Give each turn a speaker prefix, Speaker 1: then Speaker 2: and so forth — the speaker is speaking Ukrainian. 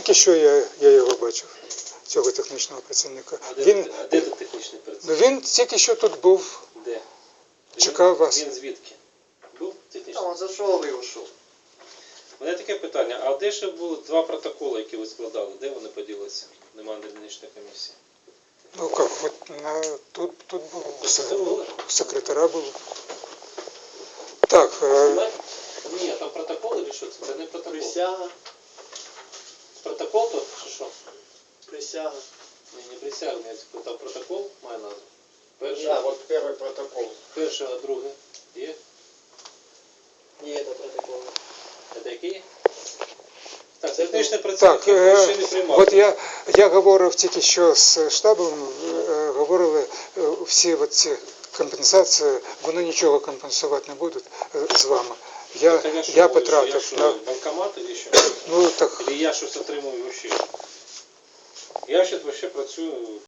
Speaker 1: тільки що я його бачив, цього технічного працівника.
Speaker 2: А де тут технічний працівник?
Speaker 1: Він тільки що тут був,
Speaker 2: Де?
Speaker 1: чекав вас.
Speaker 2: Він звідки? Був технічний?
Speaker 3: Он зашел и ушел.
Speaker 2: У мене таке питання, а де ще були 2 протоколи, які ви складали? Де вони поділися? Немає дільничної комісії.
Speaker 1: Ну как, вот тут був, у секретаря було. Так,
Speaker 2: Ні, там протокол чи що це? Це не протокол.
Speaker 3: Присяга.
Speaker 2: Протокол то чи що?
Speaker 3: Присяга.
Speaker 2: Ні, не присяга, там протокол має назву. Перше,
Speaker 3: Да, вот первый протокол.
Speaker 2: перше, а друге є?
Speaker 3: Не это протокол.
Speaker 2: Це який? Так, технічний
Speaker 1: так,
Speaker 2: працівник ще не приймав.
Speaker 1: от я говорив тільки що з штабом, говорили всі ці компенсації, вони нічого компенсувати не будуть з вами. Я потратив.
Speaker 2: Що, банкомат чи що?
Speaker 1: Ну так.
Speaker 2: Или я щось отримую взагалі? Я ще працюю